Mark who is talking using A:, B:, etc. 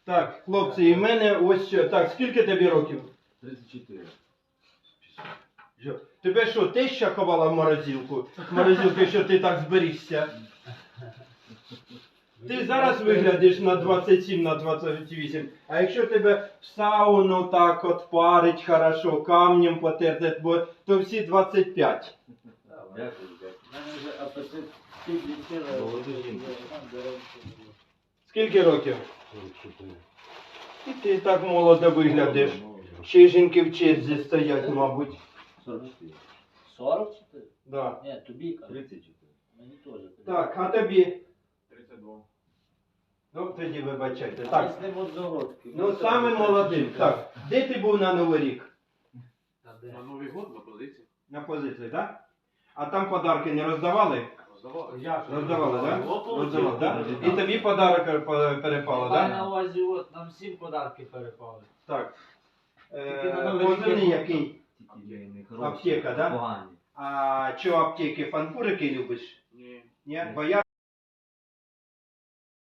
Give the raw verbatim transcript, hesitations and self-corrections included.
A: Так, хлопці, і в мене ось що. Так, скільки тобі років?
B: тридцять чотири.
A: Що? Тебе що, теща ховала в морозилку? Морозилки, що ти так зберігся? Ти зараз виглядиш на двадцять сім, на двадцять вісім, а якщо тебе в сауну так от парить хорошо, камнем потерти, бо то всі двадцять п'ять.
B: Дякую, дякую.
C: У мене вже апетит підлетіли.
B: Молоду жінку.
A: Скільки років?
B: сорок чотири.
A: І ти так молодо виглядиш. Ще й жінки в черзі стоять, мабуть.
B: сорок чотири.
C: сорок чотири?
A: Да.
C: Ні, тобі кажу.
B: тридцять чотири.
C: Мені теж.
A: Так, а тобі?
B: тридцять два.
A: Ну, тоді вибачайте.
C: Так.
A: Так.
C: З ним одногодки.
A: Ну, саме молодим. Так. Де ти був на Новий рік?
B: На Новий год на позиції.
A: На позиції, так? А там подарки не роздавали?
B: Роздавали.
A: Роздавали, так?
B: Ну,
A: Роздавали, так?
B: ну,
A: І тобі подарок е, перепало,
C: Маю
A: так?
C: на увазі, от, нам всім подарки перепали.
A: Так.
C: Тільки на
A: Е,
C: Новий рік
A: Позивний
C: є-
A: який?
B: Тільки
A: Аптека, да?
B: Погані.
A: А що аптеки, фанфурики любиш?
B: Ні.
A: Ні? Бо я